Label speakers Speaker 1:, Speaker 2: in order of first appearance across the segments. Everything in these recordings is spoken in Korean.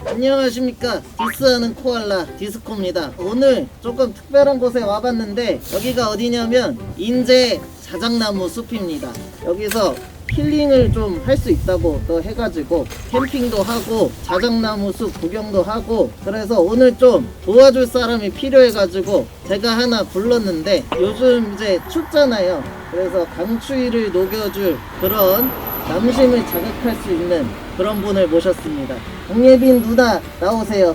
Speaker 1: 안녕하십니까, 디스하는 코알라 디스코입니다. 오늘 조금 특별한 곳에 와봤는데 여기가 어디냐면 인제 자작나무 숲입니다. 여기서 힐링을 좀 할 수 있다고 또 해가지고 캠핑도 하고 자작나무 숲 구경도 하고, 그래서 오늘 좀 도와줄 사람이 필요해가지고 제가 하나 불렀는데, 요즘 이제 춥잖아요. 그래서 강추위를 녹여줄 그런 남심을 자극할 수 있는 그런 분을 모셨습니다. 강예빈 누나 나오세요.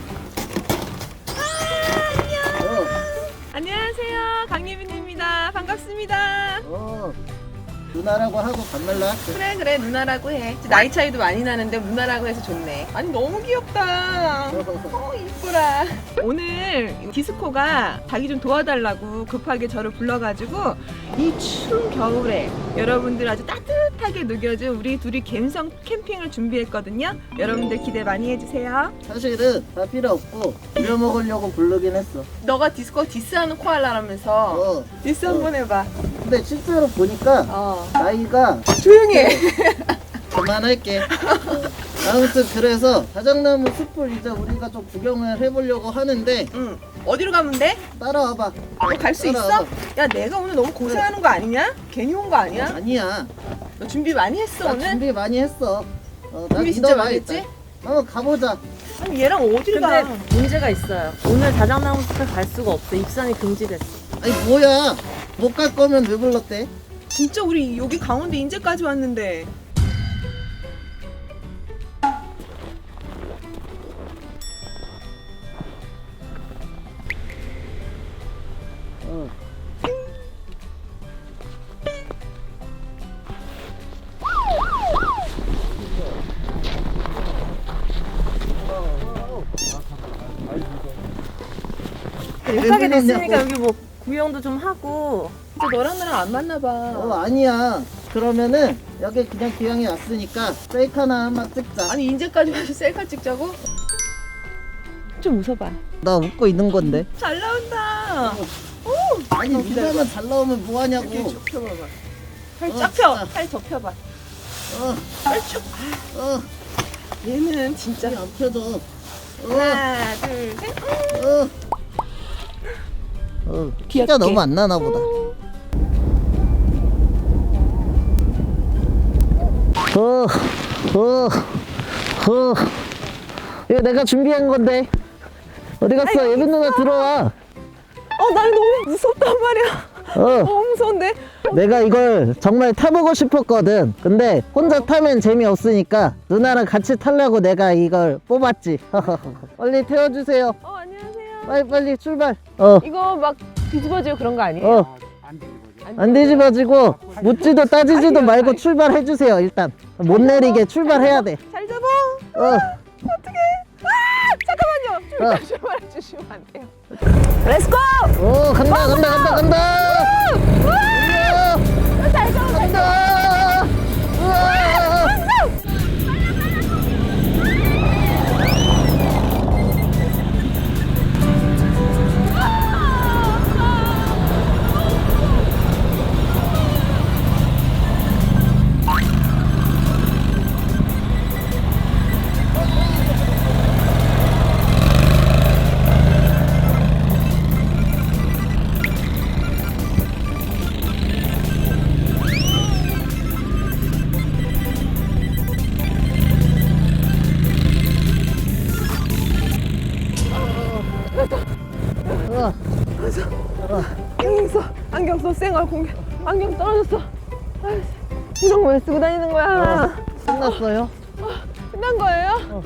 Speaker 2: 안녕하세요, 강예빈입니다. 반갑습니다.
Speaker 1: 누나라고 하고 반말로 할게.
Speaker 2: 그래 누나라고 해. 나이 차이도 많이 나는데 누나라고 해서 좋네. 아니 너무 귀엽다. 이쁘라. 오늘 디스코가 자기 좀 도와달라고 급하게 저를 불러가지고 이 추운 겨울에 여러분들 아주 따뜻하게 녹여준 우리 둘이 갬성 캠핑을 준비했거든요. 여러분들 기대 많이 해주세요.
Speaker 1: 사실은 다 필요 없고 부려먹으려고 부르긴 했어.
Speaker 2: 너가 디스코 디스하는 코알라라면서 디스 한번 해봐.
Speaker 1: 근데 실제로 보니까 나이가
Speaker 2: 조용히 해.
Speaker 1: 그만할게. 아무튼 그래서 자작나무 숲을 이제 우리가 좀 구경을 해보려고 하는데,
Speaker 2: 응. 어디로 가면 돼?
Speaker 1: 따라와봐.
Speaker 2: 너 갈 수 있어?
Speaker 1: 따라와봐.
Speaker 2: 야, 내가 오늘 너무 고생하는 거 아니냐? 괜히 온 거 아니야?
Speaker 1: 아니야.
Speaker 2: 너 준비 많이 했어
Speaker 1: 나
Speaker 2: 오늘?
Speaker 1: 준비 많이 했어. 나
Speaker 2: 준비 진짜
Speaker 1: 믿어봐,
Speaker 2: 많이
Speaker 1: 일단.
Speaker 2: 했지?
Speaker 1: 한번 가보자.
Speaker 2: 아니 얘랑 어딜
Speaker 3: 근데
Speaker 2: 가?
Speaker 3: 문제가 있어요. 오늘 자작나무 숲에 갈 수가 없어. 입산이 금지됐어.
Speaker 1: 아니 뭐야, 못 갈 거면 왜 불렀대?
Speaker 2: 진짜 우리 여기 강원도 인제까지 왔는데.
Speaker 3: 못하게 됐으니까
Speaker 1: 불렀냐고.
Speaker 3: 여기 뭐 구경도 좀 하고.
Speaker 2: 진짜 너랑 나랑 안 맞나 봐.
Speaker 1: 아니야. 그러면은 여기 그냥 기왕에 왔으니까 셀카 하나 한번 찍자.
Speaker 2: 아니 인제까지 와서 셀카 찍자고? 좀 웃어봐.
Speaker 1: 나 웃고 있는 건데.
Speaker 2: 잘 나온다.
Speaker 1: 아니 누나만 잘 나오면 뭐하냐고.
Speaker 2: 이렇게 접혀봐봐. 팔
Speaker 1: 어,
Speaker 2: 쫙 펴.
Speaker 1: 진짜.
Speaker 2: 팔 접혀봐.
Speaker 1: 어,
Speaker 2: 팔 쭉.
Speaker 1: 어,
Speaker 2: 얘는 진짜.
Speaker 1: 안 펴져.
Speaker 2: 하나, 둘, 셋.
Speaker 1: 키가
Speaker 2: 귀엽게.
Speaker 1: 너무 안 나나 보다. 이거 내가 준비한 건데. 어디 갔어? 예빈 누나 들어와.
Speaker 2: 난 너무 무섭단 말이야. 너무 무서운데?
Speaker 1: 내가 이걸 정말 타보고 싶었거든. 근데 혼자 타면 재미없으니까 누나랑 같이 타려고 내가 이걸 뽑았지. 빨리 태워주세요.
Speaker 2: 안녕하세요.
Speaker 1: 빨리 출발.
Speaker 2: 이거 막 뒤집어지고 그런 거 아니에요?
Speaker 1: 안 뒤집어지고 묻지도 따지지도 말고 출발해주세요. 일단 못 내리게 출발해야 돼.
Speaker 2: 잘 잡아.
Speaker 1: 어.
Speaker 2: 잠깐만요. 출발해 주시면 안 돼요. 렛츠고!
Speaker 1: 오, 간다.
Speaker 2: 잘 잡아.
Speaker 1: 간다. 우와.
Speaker 2: 안경 써. 쌩얼 공개. 안경 떨어졌어. 아이씨, 이런 거 왜 쓰고 다니는 거야?
Speaker 1: 끝났어요?
Speaker 2: 끝난 거예요?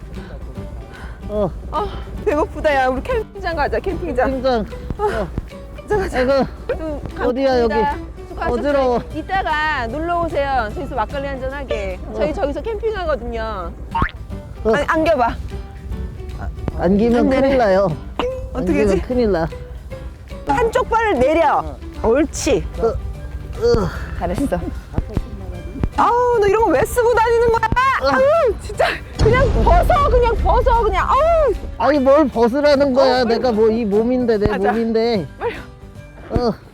Speaker 2: 배고프다. 야, 우리 캠핑장 가자. 캠핑장.
Speaker 1: 팀장.
Speaker 2: 가자.
Speaker 1: 아이고,
Speaker 2: 좀
Speaker 1: 어디야, 여기?
Speaker 2: 수고하셨어요.
Speaker 1: 어지러워.
Speaker 2: 이따가 놀러 오세요. 저기서 막걸리 한잔 하게. 저희 저기서 캠핑하거든요. 아니, 안겨봐.
Speaker 1: 안기면 큰일 나요.
Speaker 2: 어떻게
Speaker 1: 안기면
Speaker 2: 하지?
Speaker 1: 큰일 나.
Speaker 2: 한쪽 발을 내려. 옳지. 잘했어. 아우, 너 이런 거 왜 쓰고 다니는 거야? 아우, 진짜 그냥 벗어. 그냥. 아우.
Speaker 1: 아니 뭘 벗으라는 거야. 내가 뭐 이 몸인데 내
Speaker 2: 가자.
Speaker 1: 몸인데.
Speaker 2: 빨리.